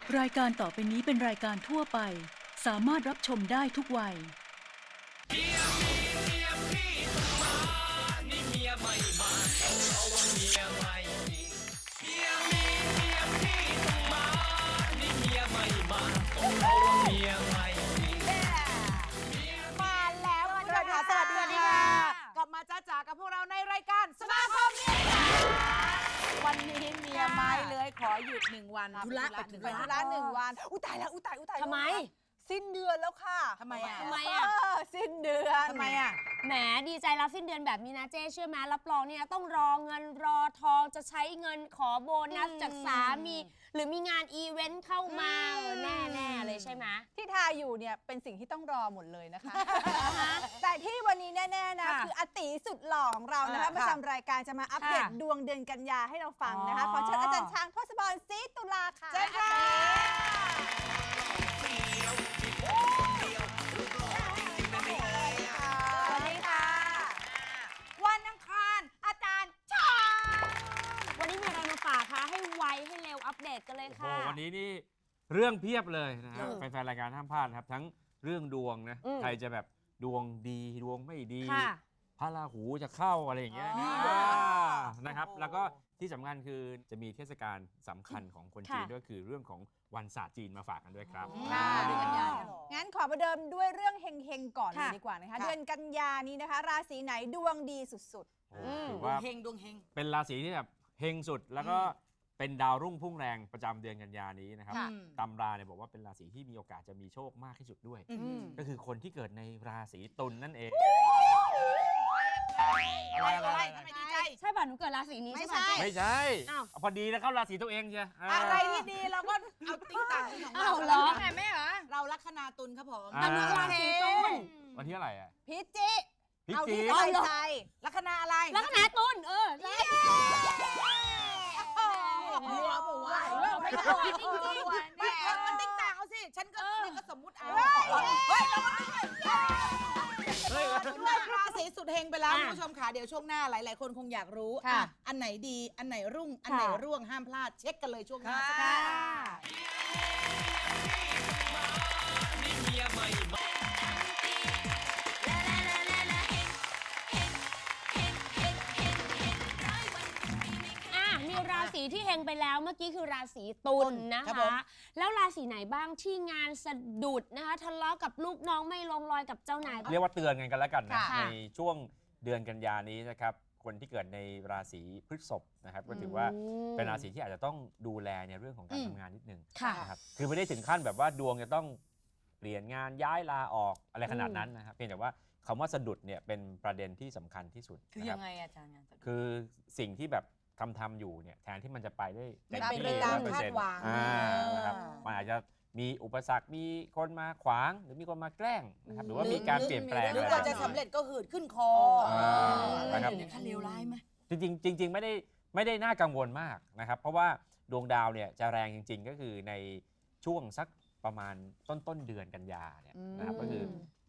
รายการต่อไปนี้เป็นรายการทั่วไปสามารถรับชมได้ทุกวัยเมียมีเมียพี่ต้องมานี่เมียไม่มาเพราะว่าเมียไม่มีเมียมีเมียพี่ต้องมานี่เมียไม่มาเพราะว่าเมียไม่มีมาแล้วคุณผู้ชมค่ะสวัสดีค่ะกลับมาจ้าจ๋ากับพวกเราในรายการสมาคมเมียจ๋าวันนี้เมียไม้เลยขอหยุด1 วันธุระ1 วันอุ้ยตายแล้วอุ้ยตายทำไมสิ้นเดือนแล้วค่ะทำไมอ่ะสิ้นเดือนทำไมอ่ะแหมดีใจรับสิ้นเดือนแบบนี้นะเจ๊เชื่อไหมรับรองเนี่ยต้องรอเงินรอทองจะใช้เงินขอโบนัสจากสามีหรือมีงานอีเวนต์เข้ามาแน่ๆเลยใช่ไหมที่ทาอยู่เนี่ยเป็นสิ่งที่ต้องรอหมดเลยนะคะ แต่ที่วันนี้แน่ๆนะคืออาติสุดหล่อของเรานะคะประจำรายการจะมาอัปเดตดวงเดือนกันยาให้เราฟังนะคะขอเชิญอาจารย์ช้างทศพรศรีตุลาค่ะเชิญค่ะสวัสดีค่ะวันอังคารอาจารย์ช้างวันนี้มีอะไรมาฝากคะให้ไวให้เร็วอัปเดตกันเลยค่ะวันนี้นี่เรื่องเพียบเลยนะครับแฟนๆรายการห้ามพลาดนะครับทั้งเรื่องดวงนะใครจะแบบดวงดีดวงไม่ดีพระราหูจะเข้าอะไรอย่างเงี้ยนะครับแล้วก็ที่สำคัญคือจะมีเทศกาลสำคัญของคนจีนด้วยคือเรื่องของวันศาสตร์จีนมาฝากกันด้วยครับเดือนกันยางั้นขอประเดิมด้วยเรื่องเฮงๆก่อนเลยดีกว่านะคะเดือนกันยานี้นะคะราศีไหนดวงดีสุดๆถือว่าดวงเฮงเป็นราศีที่แบบเฮงสุดแล้วก็เป็นดาวรุ่งพุ่งแรงประจำเดือนกันยานี้นะครับตำราเนี่ยบอกว่าเป็นราศีที่มีโอกาสจะมีโชคมากที่สุดด้วยก็คือคนที่เกิดในราศีตุลนั่นเองอะไรทำไมดีใจใช่ป่ะหนูเกิดราศีนี้ใช่ไม่ใช่พอดีแล้วเข้าราศีตัวเองใช่อะไรที่ดีเราก็เอาติ๊งต่างของเราเหรอแม่เหรอเราลัคนาตุลครับผมแต่หนูราศีตุลวันที่อะไรอ่ะพิจิเอาที่สบายใจลัคนาอะไรลัคนาตุลใช่บัวไม่ใช่จริงๆไม่มันติ๊งต่างเอาสิฉันก็สมมุติเอาเฮ้ยเราราศีสุดเฮงไปแล้วคุณผู้ชมค่ะเดี๋ยวช่วงหน้าหลายๆคนคงอยากรู้อันไหนดีอันไหนรุ่งอันไหนร่วงห้ามพลาดเช็คกันเลยช่วงหน้าค่ะราศีที่เฮงไปแล้วเมื่อกี้คือราศีตุลนะคะแล้วราศีไหนบ้างที่งานสะดุดนะคะทะเลาะกับลูกน้องไม่ลงรอยกับเจ้านายเรียกว่าเตือนกันแล้วกันนะในช่วงเดือนกันยานี้นะครับคนที่เกิดในราศีพฤษภนะครับก็ถือว่าเป็นราศีที่อาจจะต้องดูแลในเรื่องของการทำงานนิดนึงนะครับคือไม่ได้ถึงขั้นแบบว่าดวงจะต้องเปลี่ยนงานย้ายลาออกอะไรขนาดนั้นนะครับเพียงแต่ว่าคำว่าสะดุดเนี่ยเป็นประเด็นที่สำคัญที่สุดคือยังไงอาจารย์คือสิ่งที่แบบทำอยู่เนี่ยแทนที่มันจะไปได้เต็มที่100% นะครับมันอาจจะมีอุปสรรคมีคนมาขวางหรือมีคนมาแกล้งนะครับหรือว่ามีการเปลี่ยนแปลงหรือก่อนจะสำเร็จก็หืดขึ้นคอนะครับขั้นเลวร้ายไหมจริงไม่ได้น่ากังวลมากนะครับเพราะว่าดวงดาวเนี่ยจะแรงจริงๆก็คือในช่วงสักประมาณต้นเดือนกันยาเนี่ยนะครับก็คือ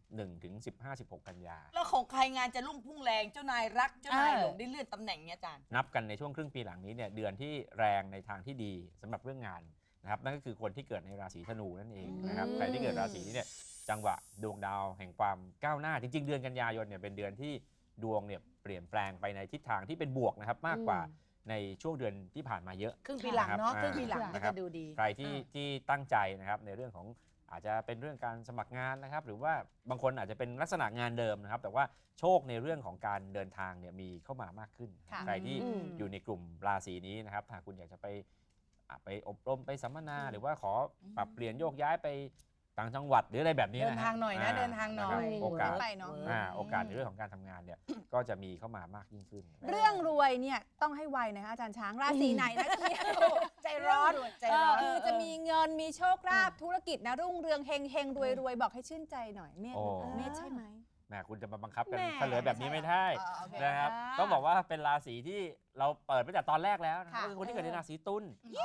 1 ถึง 15-16 กันยาแล้วของใครงานจะรุ่งพุ่งแรงเจ้านายรักเจ้านายหลงได้เลื่อนตำแหน่งเนี่ยอาจารย์นับกันในช่วงครึ่งปีหลังนี้เนี่ยเดือนที่แรงในทางที่ดีสำหรับเรื่องงานนะครับนั่นก็คือคนที่เกิดในราศีธนูนั่นเองนะครับใครที่เกิดราศีนี้เนี่ยจังหวะดวงดาวแห่งความก้าวหน้าจริงๆเดือนกันยายนเนี่ยเป็นเดือนที่ดวงเนี่ยเปลี่ยนแปลงไปในทิศทางที่เป็นบวกนะครับมากกว่าในช่วงเดือนที่ผ่านมาเยอะครึ่งปีหลังเนาะครึ่งปีหลังก็จะดูดีใครที่ตั้งใจนะครับในเรื่องของอาจจะเป็นเรื่องการสมัครงานนะครับหรือว่าบางคนอาจจะเป็นลักษณะงานเดิมนะครับแต่ว่าโชคในเรื่องของการเดินทางเนี่ยมีเข้ามามากขึ้นใครที่อยู่ในกลุ่มราศีนี้นะครับหากคุณอยากจะไปอบรมไปสัมมนาหรือว่าขอปรับเปลี่ยนโยกย้ายไปต่างจังหวัดหรืออะไรแบบนี้นะเดินทางหน่อยนะเดินทางหน่อยโอกาสในเรื่องของการทำงานเนี่ยก็จะมีเข้ามามากยิ่งขึ้นเรื่องรวยเนี่ยต้องให้ไวนะคะอาจารย์ช้างราศีไหนนะจะมีใจร้อนคือจะมีเงินมีโชคลาภธุรกิจนะรุ่งเรืองเฮงรวยบอกให้ชื่นใจหน่อยเมษใช่ไหมแม่คุณจะมาบังคับกันเฉลยแบบนี้ไม่ได้นะครับต้องบอกว่าเป็นราศีที่เราเปิดไปจากตอนแรกแล้วก็คือคนที่เกิดในราศีตุล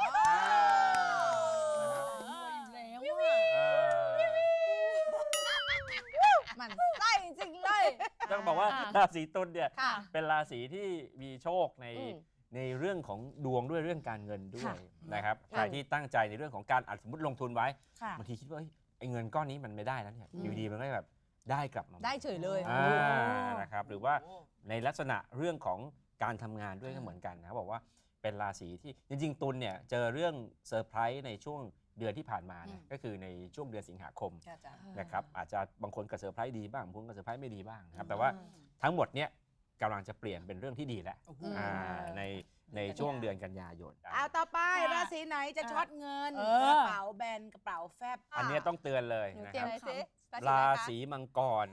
มันไส้จริงเลยต้องบอกว่าราศีตุลเนี่ยเป็นราศีที่มีโชคในในเรื่องของดวงด้วยเรื่องการเงินด้วยนะครับใครที่ตั้งใจในเรื่องของการสมมติลงทุนไว้ค่ะบางทีคิดว่าไอ้เงินก้อนนี้มันไม่ได้แล้วเนี่ยอยู่ดีมันก็แบบได้กลับมาได้เฉยเลยนะครับหรือว่าในลักษณะเรื่องของการทำงานด้วยก็เหมือนกันนะครับบอกว่าเป็นราศีที่จริงๆตุลเนี่ยเจอเรื่องเซอร์ไพรส์ในช่วงเดือนที่ผ่านมาเนี่ยก็คือในช่วงเดือนสิงหาคมนะครับอาจจะบางคนก็เซอร์ไพรส์ดีบ้างบางคนก็เซอร์ไพรส์ไม่ดีบ้างนะครับแต่ว่าทั้งหมดเนี่ยกำลังจะเปลี่ยนเป็นเรื่องที่ดีแล้วในช่วงเดือนกันยายนเอาต่อไปราศีไหนจะช็อตเงินเออกระเป๋าแบนกระเป๋าแฟบอันนี้ต้องเตือนเลยหนูนะเตรีคยมรับอะไรสิราศีมังกร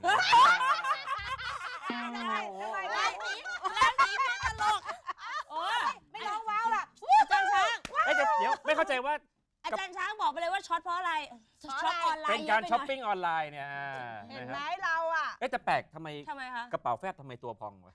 โอ้ยไม่ร้องว้าวล่ะอาจารย์ช้างเดี๋ยวไม่เข้าใจว่าอาจารย์ช้างบอกไปเลยว่าช็อตเพราะอะไรช็อตออนไลน์เป็นการช้อปปิ้งออนไลน์เนี่ยเห็นนะไหมครับเราอ่ะแต่แปลกทำไมทำไมคะกระเป๋าแฟบทำไมตัวพองวะ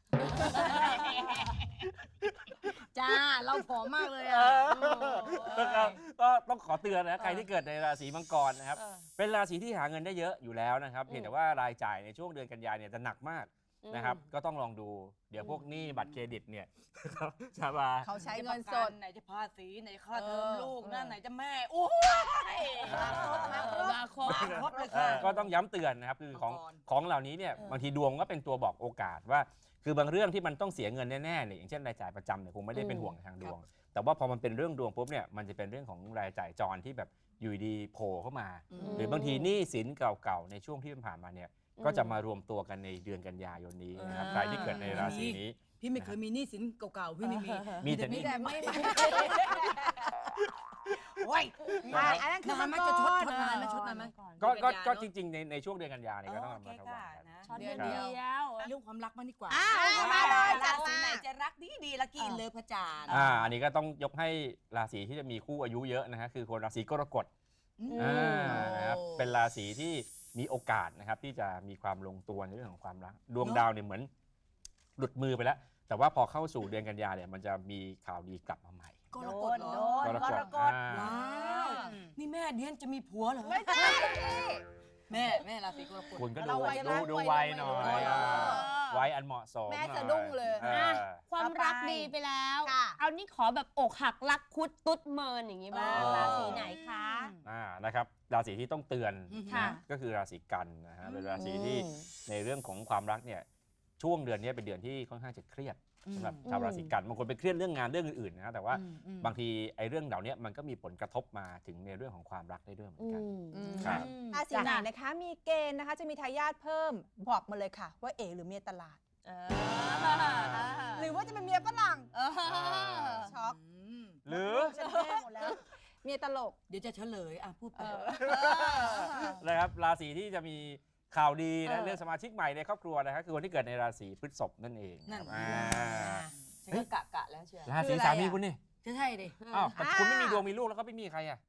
จ้า เราผอมมากเลยนะครับก็ต้องขอเตือนนะใครที่เกิดในราศีมังกรนะครับเป็นราศีที่หาเงินได้เยอะอยู่แล้วนะครับเพียงแต่ว่ารายจ่ายในช่วงเดือนกันยายนเนี่ยจะหนักมากนะครับก็ต้องลองดูเดี๋ยวพวกหนี้บัตรเครดิตเนี่ยชาบาเขาใช้เงินสดไหนจะภาษีไหนค่าเทอมลูกนั่นไหนจะแม่โอ้ยมาครบเลยค่ะก็ต้องย้ำเตือนนะครับคือของมังกรของเหล่านี้เนี่ยบางทีดวงก็เป็นตัวบอกโอกาสว่า คือบางเรื่องที่มันต้องเสียเงินแน่ๆเนี่ยอย่างเช่นรายจ่ายประจำเนี่ยคงไม่ได้เป็นห่วงทางดวง แต่ว่าพอมันเป็นเรื่องดวงปุ๊บเนี่ยมันจะเป็นเรื่องของรายจ่ายจรที่แบบอยู่ดีโผล่เข้ามา หรือบางทีหนี้สินเก่าๆในช่วงที่ผ่านมาเนี่ยก็จะมารวมตัวกันในเดือนกันยายนนี้นะครับใครที่เกิดในราศีนี้พี่ไม่เคยมีหนี้สินเก่าๆ พี่ไม่มีมีแต่หนี้แต่ไม่โอ้ยอันนั้นคือนานไหมมังกรจะชดนานไหมชดนานไหมก็จริงๆในช่วงเดือนกันยาเนี่ยก็ต้องระมัดระวังกันช็อตเดืเดีอนยวเรื่องความรักมางดีกว่ามาเลยจัราดศีมาไหนจะรักดีๆละกี่เลิฟพระจานทร์อันนี้ก็ต้องยกให้ราศีที่จะมีคู่อายุเยอะนะฮะคือคนราศีกรกฎนะครับเป็นราศีที่มีโอกาสนะครับที่จะมีความลงตัวในเรื่องของความรักดวงดาวเนี่ยเหมือนหลุดมือไปแล้ว แต่ว่าพอเข้าสู่เดือนกันยาเนี่ยมันจะมีข่าวดีกลับมาใหม่กโดรกฎนเหรโดอนกรกฎว้าวนี่แม่เดียนจะมีผัวเหรอไม่ใช่แม่ราศีกรกฎคุณก็เราวัยรักดูวัยหน่อยวัยรักวัยอันเหมาะสมแม่สะดุ้งเลยออความรักดีไปแล้วค่ะเอานี่ขอแบบอกหักรักคุดตุ๊ดเมินอย่างนี้บ้างราศีไหนคะนะครับราศีที่ต้องเตือนค่ะนะก็คือราศีกันนะฮะเป็นราศีที่ในเรื่องของความรักเนี่ยช่วงเดือนนี้เป็นเดือนที่ค่อนข้างจะเครียดสำหรับชาวราศีกันบางคนไปเครียดเรื่องงานเรื่องอื่นๆนะแต่ว่าบางทีไอ้เรื่องเหล่านี้มันก็มีผลกระทบมาถึงในเรื่องของความรักได้ด้วยเหมือนกันครับราศีไหนนะคะ มีเกณฑ์นะคะ จะมีทายาทเพิ่มบอกมาเลยค่ะ ว่าเอ๋หรือเมียตลาด หรือว่าจะเป็นเมียฝรั่งช็อกหรือฉันแห้งหมดแล้ว เมียตลกเดี๋ยวจะเฉลยพูดไปนะครับราศีที่จะมีข่าวดีนะเรื่องสมาชิกใหม่ในครอบครัวนะครับคือคนที่เกิดในราศีพฤษภนั่นเองนั่นครับฉันก็กะแล้วเชียวราศีสามีคุณนี่จะใช่ดิอ้าวแต่คุณไม่มีดวงมีลูกแล้วก็ไม่มีใครอ่ะ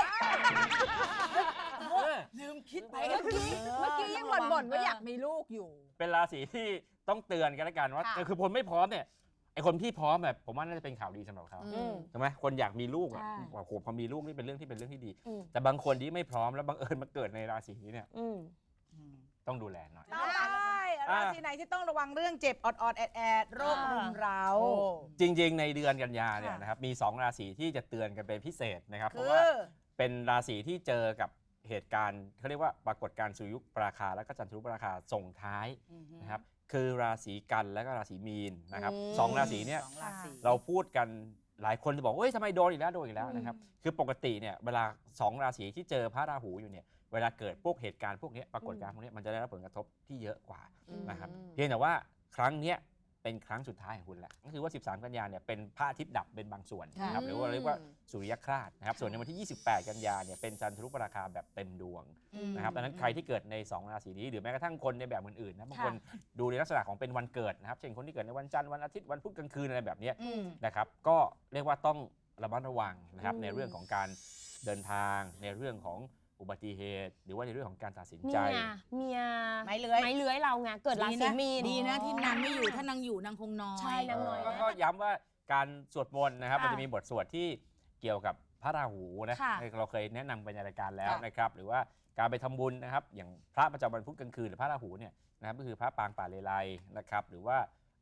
ลืมคิดไปเมื่อกี้ยังบ่นว่าอยากมีลูกอยู่เป็นราศีที่ต้องเตือนกันแล้วกันว่าค่ะคือคนไม่พร้อมเนี่ยไอคนที่พร้อมแบบผมว่าน่าจะเป็นข่าวดีสำหรับเขาใช่ไหมคนอยากมีลูกอ่ะใช่โอ้โหพอมีลูกนี่เป็นเรื่องที่ดีอืมแต่บางคนที่ไม่พร้อมแล้วบังเอิญมาเกิดในราศีนี้เนี่ยอืมต้องดูแลหน่อยต่อไปราศีไหนที่ต้องระวังเรื่องเจ็บออดๆแอดๆโรครุมเร้าจริง ๆ ในเดือนกันยาเนี่ยค่ะนะครับมี2ราศีที่จะเตือนกันเป็นพิเศษนะครับเพคืราะว่าอเป็นราศีที่เจอกับเหตุการณ์เขาเรียกว่าปรากฏการณ์สุริยุปราคาและก็จันทรุปราคาส่งท้ายนะครับคือราศีกันและก็ราศีมีนนะครับสองราศีเนี่ยสองราศีเราพูดกันหลายคนจะบอกว่าเฮ้ยทำไมโดนอีกแล้วนะครับคือปกติเนี่ยเวลา2ราศีที่เจอพระราหูอยู่เนี่ยเวลาเกิดพวกเหตุการณ์พวกนี้ปรากฏการณ์พวกนี้มันจะได้รับผลกระทบที่เยอะกว่านะครับเพียงแต่ว่าครั้งเนี้ยเป็นครั้งสุดท้ายของคุณแหละก็คือว่า 13 กันยาเนี่ยเป็นพระอาทิตย์ดับเป็นบางส่วนนะครับหรือว่าเรียกว่าสุริยคราสนะครับส่วนในวันที่ 28 กันยาเนี่ยเป็นจันทรุปราคาแบบเต็มดวงนะครับดังนั้นใครที่เก เกิดใน2ราศีนี้หรือแม้กระทั่งคนในแบบอื่นๆนะบางคนดูในลักษณะของเป็นวันเกิดนะครับเช่นคนที่เกิดในวันจันทร์วันอาทิตย์วันพุธกลางคืนอะไรแบบนี้นะครับก็เรียกว่าต้องระมัดระวังนะครับในเรื่องของการเดินทางในเรื่องของอุบัติเหตุ หรือว่าในเรื่องของการตัดสินใจเมียไม้เลื้อยไม้เลื้อยเราไงเกิดราศีมีนดีนะที่นางไม่อยู่ถ้านางอยู่นางคงนอนใช่นางน้อยนะก็ย้ำว่าการสวดมนต์นะครับค่ะมันจะมีบทสวดที่เกี่ยวกับพระราหูนะค่ะเราเคยแนะนำไปในรายการแล้วค่ะนะครับหรือว่าการไปทำบุญนะครับอย่างพระประจำวันพุธกลางคืนหรือพระราหูเนี่ยนะครับก็คือพระปางป่าเลไลนะครับหรือว่า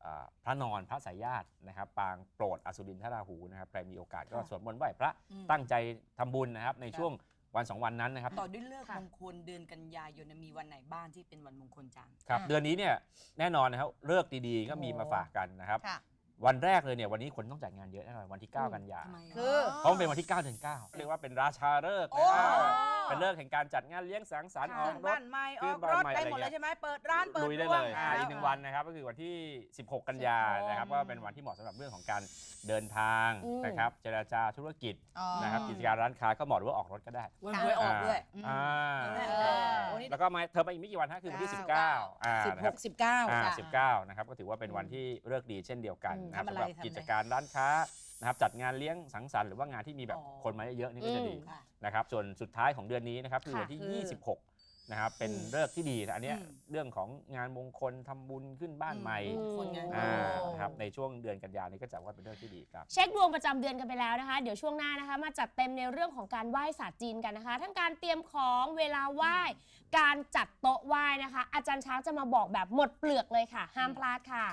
พระนอนพระสายญาตินะครับปางโปรดอสุรินทราหูนะครับใครมีโอกาสก็สวดมนต์ไหว้พระตั้งใจทำบุญนะครับในช่วงวัน2 วันนั้นนะครับต่อด้วยเลิกษ์มงคลเดือนกันยายนมีวันไหนบ้างที่เป็นวันมงคลจังครับเดือนนี้เนี่ยแน่นอนนะครับฤกษ์ดีๆก็มีมาฝากกันนะครับค่ะวันแรกเลยเนี่ยวันนี้คนต้องจัดงานเยอะแน่นอนวันที่ 9 กันยาทำไมคือเพราะมันเป็นวันที่ 9 เดือน 9เรียกว่าเป็นราชาฤกษ์โอ้เป็นฤกษ์แห่งการจัดงานเลี้ยงสังสรรค์ออกรบ้าถนใหม่อขึ้อน กบ้านรถใหม่ได้หมดอะไรเลยเงี้ยใช่ไหมเปิดร้านเปิดลุยได้ครัวเลยอีก 1 วันนะครับก็คือวันที่ 16 กันยานะครับก็เป็นวันที่เหมาะสำหรับเรื่องของการเดินทางนะครับเจรจาธุรกิจนะครับกิจการร้านค้าก็เหมาะหรือว่าออกรถก็ได้วันหวยออกด้วยอ่าวันนี้แล้วก็มาเธอมาอีกไม่กี่วันฮะคือวันที่ 19นะครับ 16 19 นะครับก็ถือว่าเป็นวันที่ฤกษ์ดีเช่นเดียวกันนะครับทำอะไรสำหรับทำอะไรกิจการร้านค้านะครับจัดงานเลี้ยงสังสรรค์หรือว่างานที่มีแบบคนมาเยอะๆนี่ก็จะดีค่ะนะครับส่วนสุดท้ายของเดือนนี้นะครับคือวันที่ 26 นะครับเป็นฤกษ์ที่ดีนะอันเนี้ยเรื่องของงานมงคลทำบุญขึ้นบ้านใหม่คนงานนะครับในช่วงเดือนกันยายนนี้ก็จัดว่าเป็นฤกษ์ที่ดีครับเช็คดวงประจำเดือนกันไปแล้วนะคะ เดี๋ยวช่วงหน้านะคะมาจัดเต็มในเรื่องของการไหว้ศาสตร์จีนกันนะคะ ทั้งการเตรียมของเวลาไหว้การจัดโต๊ะไหว้นะคะ อาจารย์ช้างจะมาบอกแบบหมดเปลือกเลยค่ะ ห้ามพลาดค่ะ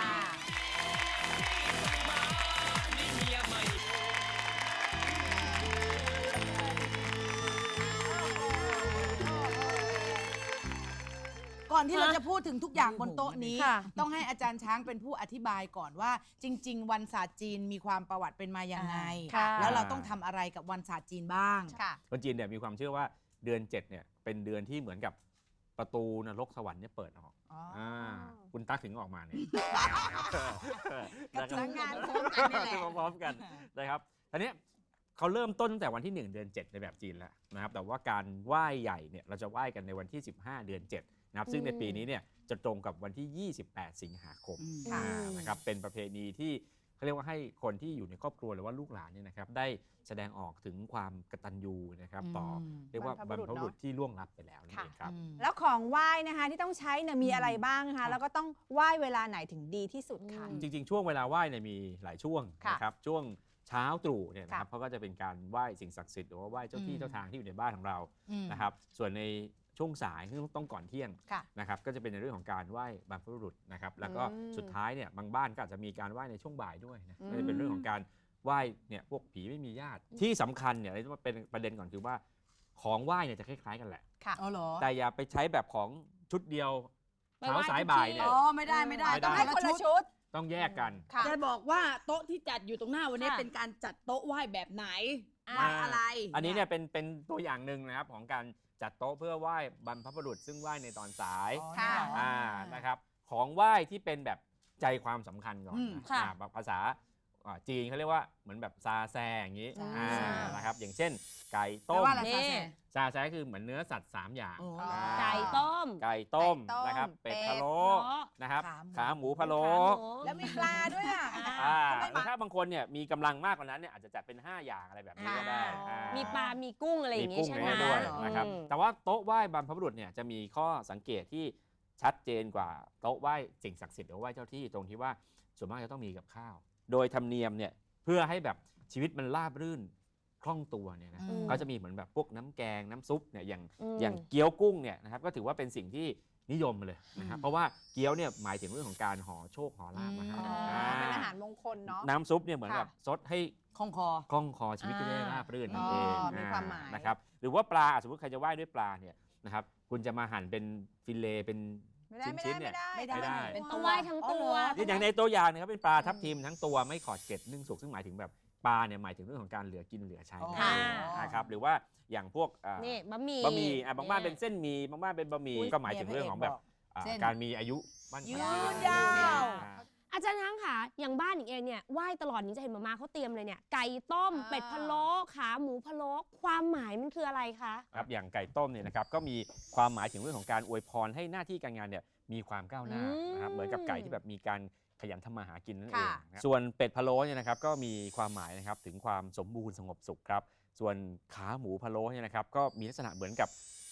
ก่อนที่เราจะพูดถึงทุกอย่างบนโต๊ะนี้ค่ะต้องให้อาจารย์ช้างเป็นผู้อธิบายก่อนว่า จริง ๆ วันศาสตร์จีนมีความประวัติเป็นมาอย่างไงค่ะแล้วเราต้องทำอะไรกับวันศาสตร์จีนบ้างค่ะคนจีนเนี่ยมีความเชื่อว่าเดือน 7เนี่ยเป็นเดือนที่เหมือนกับประตูนรกสวรรค์เนี่ยเปิดออกอ๋ออ่คุณตั๊กถึงออกมาเนี่ยกระจุกงานพร้อมกันนี่แหละพร้อมกันนะครับทีนี้เขาเริ่มต้นตั้งแต่วันที่ 1 เดือน 7 ในแบบจีนแล้วนะครับแต่ว่าการไหว้ใหญ่เนี่ยเราจะไหว้กันในวันที่ 15 เดือน 7 นะครับซึ่งในปีนี้เนี่ยจะตรงกับวันที่ 28 สิงหาคมค่ะนะครับเป็นประเพณีที่เขาเรียกว่าให้คนที่อยู่ในครอบครัวหรือว่าลูกหลานเนี่ยนะครับได้แสดงออกถึงความกตัญญูนะครับต่อเรียกว่าบรรพบุรุษที่ล่วงลับไปแล้วนั่นเองครับแล้วของไหว้นะคะที่ต้องใช้เนี่ยมีอะไรบ้างนะคะแล้วก็ต้องไหว้เวลาไหนถึงดีที่สุดค่ะจริงๆ ช่วงเวลาไหว้เนี่ยมีหลายช่วงค่ะนะครับช่วงเช้าตรู่เนี่ยนะครับค่ะเขาก็จะเป็นการไหว้สิ่งศักดิ์สิทธิ์หรือว่าไหว้เจ้าที่เจ้าทางที่อยู่ในบ้านของเราอืมนะครับส่วนในช่วงสายที่ต้องก่อนเที่ยงค่ะนะครับก็จะเป็นในเรื่องของการไหว้บรรพบุรุษนะครับแล้วก็อืมสุดท้ายเนี่ยบางบ้านก็อาจจะมีการไหว้ในช่วงบ่ายด้วยนะอืมก็จะเป็นเรื่องของการไหว้เนี่ยพวกผีไม่มีญาติที่สำคัญเนี่ยที่ว่าเป็นประเด็นก่อนคือว่าของไหว้เนี่ยจะคล้ายๆกันแหละค่ะอ๋อเหรอแต่อย่าไปใช้แบบของชุดเดียวไปไหว้เช้าสายบ่ายทุกที่เนี่ยอ๋อไม่ได้ไม่ได้ไม่ได้ต้องให้ให้คนชุละดชุดต้องแยกกันค่ะจะบอกว่าโต๊ะที่จัดอยู่ตรงหน้าวันนี้ค่ะเป็นการจัดโต๊ะไหว้แบบไหนไหว้อะไรอันนี้เนี่ยเป็นตัวอย่างหนึ่งนะครับของการจัดโต๊ะเพื่อไหว้บรรพบุรุษซึ่งไหว้ในตอนสายค่ะนะครับของไหว้ที่เป็นแบบใจความสำคัญก่อนอืมนะค่ะแบบภาษาจีนเขาเรียกว่าเหมือนแบบซาแซอย่างนี้ซาแซนะครับอย่างเช่น ไก่แปลต้มว่าอะไรนี่ซาแซซาแซคือเหมือนเนื้อสัตว์ 3 อย่างโอ้ไก่ต้มไก่ต้มไก่ต้มนะครับเป็ดเป็ดพะโล้เนาะนะครับขาขาหมูพะโล้ขาหมูแล้วมีปลาด้วยอ่ะหรือถ้าบางคนเนี่ยมีกำลังมากกว่านั้นเนี่ยอาจจะจัดเป็น 5 อย่างอะไรแบบนี้ก็ได้อ่ามีปลา มีกุ้งอะไรอย่างมีงี้กุ้งใช่ในไหมนี้ด้วยอืมนะครับอืมแต่ว่าโต๊ะไหว้บรรพบุรุษเนี่ยจะมีข้อสังเกตที่ชัดเจนกว่าโต๊ะไหว้สิ่งศักดิ์สิทธิ์หรือว่าไหว้เจ้าที่ตรงที่ว่าส่วนมากจะต้องมีกับข้าว โดยธรรมเนียมเนี่ยเพื่อให้แบบชีวิตมันราบรื่นคล่องตัวเนี่ยนะอืมก็จะมีเหมือนแบบพวกน้ำแกงน้ำซุปเนี่ยอย่างอืมอย่างเกี๊ยวกุ้งเนี่ยนะครับก็ถือว่าเป็นสิ่งที่นิยมเลยนะครับเพราะว่าเกี๊ยวเนี่ยหมายถึงเรื่องของการห่อโชคห่อลาภมาให้อ๋อเป็นอาหารมงคลเนาะน้ำซุปเนี่ยเหมือนกับซดให้คองคอคล่องคอชีวิตจะได้ราบรื่นนั่นเองอ๋อมีความหมายนะครับหรือว่าปลาสมมติใครจะไหว้ด้วยปลาเนี่ยนะครับคุณจะมาหั่นเป็นฟิเลเป็นไม่ได้ไม่ชิ้ได้นๆเนี่ยไม่ได้ไม่ได้เป็นต้องไหว้ทั้งตัวนี่อย่างในตัวอย่างนะครับเป็นปลาทับทิมทั้งตัวไม่ขอดเกล็ดนึ่งสุกซึ่งหมายถึงแบบปลาเนี่ยหมายถึงเรื่องของการเหลือกินเหลือใช้ค่ะนะครับหรือว่าอย่างพวกนี่บะหมี่บะหมี่บางบ้านเป็นเส้นหมี่บางบ้านเป็นบะหมี่ก็หมายถึงเรื่องของแบบเส้นการมีอายุมั่นขวัญยืนยาวอ่าอาจารย์ช้างค่ะ อย่างบ้านหนิงเองเนี่ยไหว้ตลอดหนิงจะเห็นมาม่าเขาเตรียมเลยเนี่ย ไก่ต้ม เป็ดพะโล้ ขาหมูพะโล้ ความหมายมันคืออะไรคะครับอย่างไก่ต้มเนี่ยนะครับก็มีความหมายถึงเรื่องของการอวยพรให้หน้าที่การงานเนี่ยมีความก้าวหน้านะครับเหมือนกับไก่ที่แบบมีการขยันทำมาหากินนั่นเองค่ะนะครับส่วนเป็ดพะโล้เนี่ยนะครับก็มีความหมายนะครับถึงความสมบูรณ์สงบสุขครับส่วนขาหมูพะโล้เนี่ยนะครับก็มีลักษณะเหมือนกับ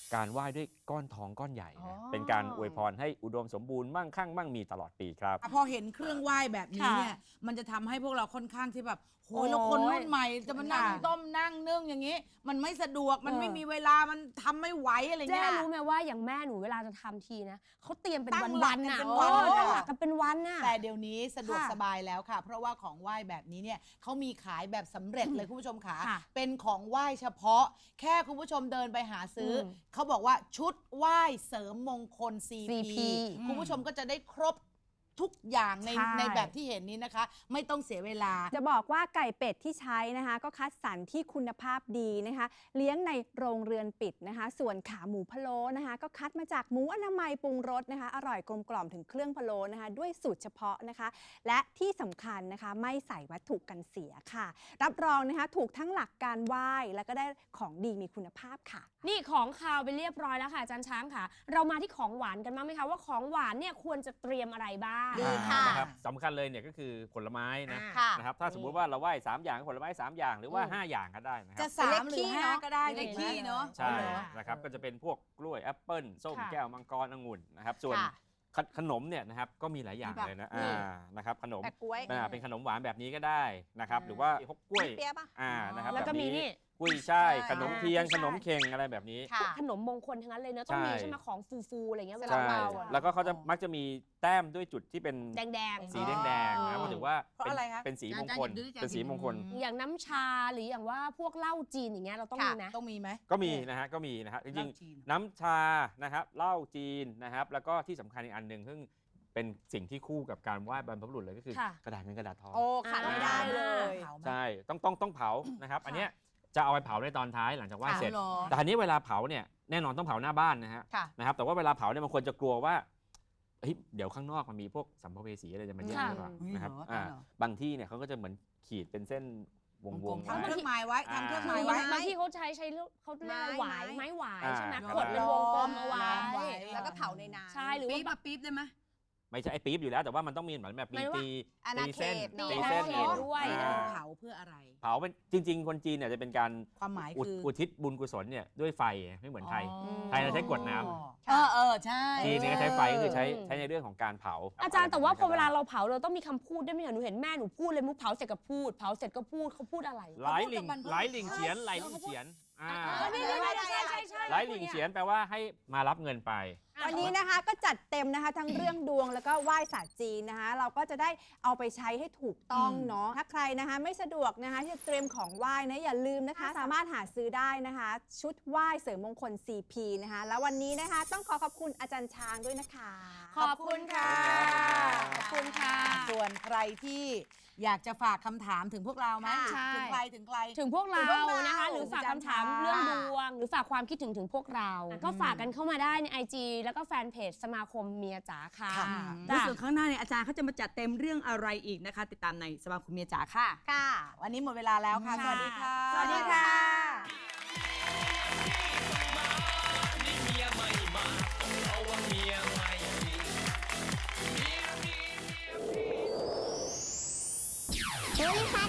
การไหว้ด้วยก้อนทองก้อนใหญ่อ๋อนะเป็นการอวยพรให้อุดมสมบูรณ์มั่งคั่งมั่งมีตลอดปีครับพอเห็นเครื่องไหว้แบบนี้เนี่ย มันจะทำให้พวกเราค่อนข้างที่แบบโหยแล้วคนรุ่นใหม่จะมานั่งค่ะต้มนั่งนึ่งอย่างนี้ มันไม่สะดวกมันไม่มีเวลามันทำไม่ไหวอะไรเจ๊เงี้ยรู้ไหมว่าอย่างแม่หนูเวลาจะทำทีนะเขาเตรียมเป็นตั้งวันๆหลัน่ะกกันเป็นวันตั้งหลักกันเป็นวันน่ะแต่เดี๋ยวนี้สะดวกค่ะสบายแล้วค่ะ เพราะว่าของไหว้แบบนี้เนี่ยเขามีขายแบบสำเร็จเลยคุณผู้ชมค่ะค่ะเป็นของไหว้เฉพาะ แค่คุณผู้ชมเดินไปหาซื้ออมเขาบอกว่าชุดไหว้เสริมมงคล CP CP คุณผู้ชมก็จะได้ครบทุกอย่างในใช่ในแบบที่เห็นนี้นะคะ ไม่ต้องเสียเวลาจะบอกว่าไก่เป็ดที่ใช้นะคะ ก็คัดสรรที่คุณภาพดีนะคะ เลี้ยงในโรงเรือนปิดนะคะ ส่วนขาหมูพะโล้นะคะ ก็คัดมาจากหมูอนามัยปรุงรสนะคะ อร่อยกลมกล่อมถึงเครื่องพะโล้นะคะ ด้วยสูตรเฉพาะนะคะ และที่สำคัญนะคะไม่ใส่วัตถุกันเสียค่ะ รับรองนะคะถูกทั้งหลักการไหว้แล้วก็ได้ของดีมีคุณภาพค่ะนี่ของคาวไปเรียบร้อยแล้วค่ะอาจารย์ช้างค่ะ เรามาที่ของหวานกันบ้างไหมคะว่าของหวานเนี่ยควรจะเตรียมอะไรบ้างดีค่ะนะครับสำคัญเลยเนี่ยก็คือผลไม้นะค่ะนะครับถ้าสมมุติว่าเราไหว้3อย่างก็ผลไม้3อย่างหรือว่า 5 อย่างก็ได้นะคจะรับ 3 หรือ 5 ก็ได้เลขขี้ขี้เนาะใช่นะครับก็จะเป็นพวกกล้วยแอปเปิ้ลส้มค่ะแก้วมังกรองุ่นนะครับส่วนค่ะขนมเนี่ยนะครับก็มีหลายอย่างมีแบบเลยนะนี่นะครับขนมแปะกล้วยเป็นขนมหวานแบบนี้ก็ได้นะครับหรือว่าพวกกล้วยเปี๊ยะปะนะครับแล้วก็บบมีนี่กุ้ยช่ายใช่ขนมเทียนขนมเข่งอะไรแบบนี้ค่ะขนมมงคลทั้งนั้นเลยเนอะต้องมีใช่ใช่ไหมของฟูๆอะไรเงี้ยเวลาใช่เมาอะแล้วก็เขาจะมักจะมีแต้มด้วยจุดที่เป็นแดงๆสีแดงๆนะเพราะถือว่าเพราะอะไรคะเป็นสีมงคลอาจารย์อย่าดื้อเป็นสีมงคลอย่างน้ำชาหรืออย่างว่าพวกเหล้าจีนอย่างเงี้ยเราต้องมีไหมต้องมีไหมก็มีนะฮะก็มีนะฮะจริงๆน้ำชานะครับเหล้าจีนนะครับแล้วก็ที่สำคัญอีกอันหนึ่งซึ่งเป็นสิ่งที่คู่กับการไหว้บรรพบุรุษเลยก็คือค่ะกระดาษเงินกระดาษทองโอ้ขาดไม่ได้เลยเผาไหมใช่ต้องเผานะครับอันเนี้ยจะเอาไปเผาในตอนท้ายหลังจากไหว้ค่ะเสร็จเหรอแต่อันนี้เวลาเผาเนี่ยแน่นอนต้องเผาหน้าบ้านนะฮะค่ะนะครับแต่ว่าเวลาเผาเนี่ยบางคนจะกลัวว่าเฮ้ยเดี๋ยวข้างนอกมันมีพวกสัมภเวสีอะไรจะมาแย่งค่ะหรือเปล่านะครับเหรอตายเหรอบางที่เนี่ยเขาก็จะเหมือนขีดเป็นเส้นวงๆทำเคไว้รื่องหมายไว้ทำเครื่องหมายบาไว้งที่เขาใช้เขาเรียกว่าหวายไม้ไม้หวายอ่าใช่ไหมครับขดเป็นวงกลมเอาไว้ไว้แล้วก็เผาในน้ำใช่หรือปี๊บว่าอะปี๊บได้ไหมไม่ใช่ไอ้ปี๊บอยู่แล้วแต่ว่ามันต้องมีเหมือนแบบหมายว่าตีอาณาเขตตีตีเส้นอาณาเขตด้วยอ่าเผาเพื่ออะไรเผาเป็นจริง ๆ คนจีนเนี่ยจะเป็นการความหมายคืออุทิศบุญกุศลเนี่ยด้วยไฟไม่เหมือนไทย ไทยเราใช้กรวดน้ำใช่จีนเนี่ยก็ใช้ไฟก็คือใช้ในเรื่องของการเผาอาจารย์แต่ว่าพอเวลาเราเผาเราต้องมีคำพูดด้วยไหมคะหนูเห็นแม่หนูพูดเลยมุกเผาเสร็จก็พูดเผาเสร็จก็พูดเขาพูดอะไรหลายหลิงเฉียนหลายหลิงเฉียนอ่าใช่หลายหลิงเฉียนแปลว่าให้มารับเงินไปวันนี้นะคะก็จัดเต็มนะคะทั้งเรื่องดวงแล้วก็ไหว้ศาสตร์จีนนะคะ เราก็จะได้เอาไปใช้ให้ถูกต้องเนาะถ้าใครนะคะไม่สะดวกนะคะที่จะเตรียมของไหว้นะอย่าลืมนะคะ สามารถหาซื้อได้นะคะ ชุดไหว้เสริมมงคล CP นะคะ แล้ววันนี้นะคะต้องขอบคุณอาจารย์ช้างด้วยนะคะขอบคุณค่ะขอบคุณค่ะส่วนใครที่อยากจะฝากคำถามถึงพวกเราไหมใช่ถึงใครถึงใครถึงพวกเราถึงพวกเรานะคะ หรือฝากคำถามค่ะเรื่องดวง หรือฝากความคิดถึงพวกเรา ก็ฝากกันเข้ามาได้ใน IG แล้วก็แฟนเพจสมาคมเมียจ๋าค่ะค่ะแล้วส่วนข้างหน้าเนี่ยอาจารย์เขาจะมาจัดเต็มเรื่องอะไรอีกนะคะ ติดตามในสมาคมเมียจ๋าค่ะค่ะ วันนี้หมดเวลาแล้วค่ะ สวัสดีค่ะสวัสดีค่ะนี่เมียไม่มาเพราะว่าเมียไม่มีเมียมีเมียพี่สวัสดีค่ะ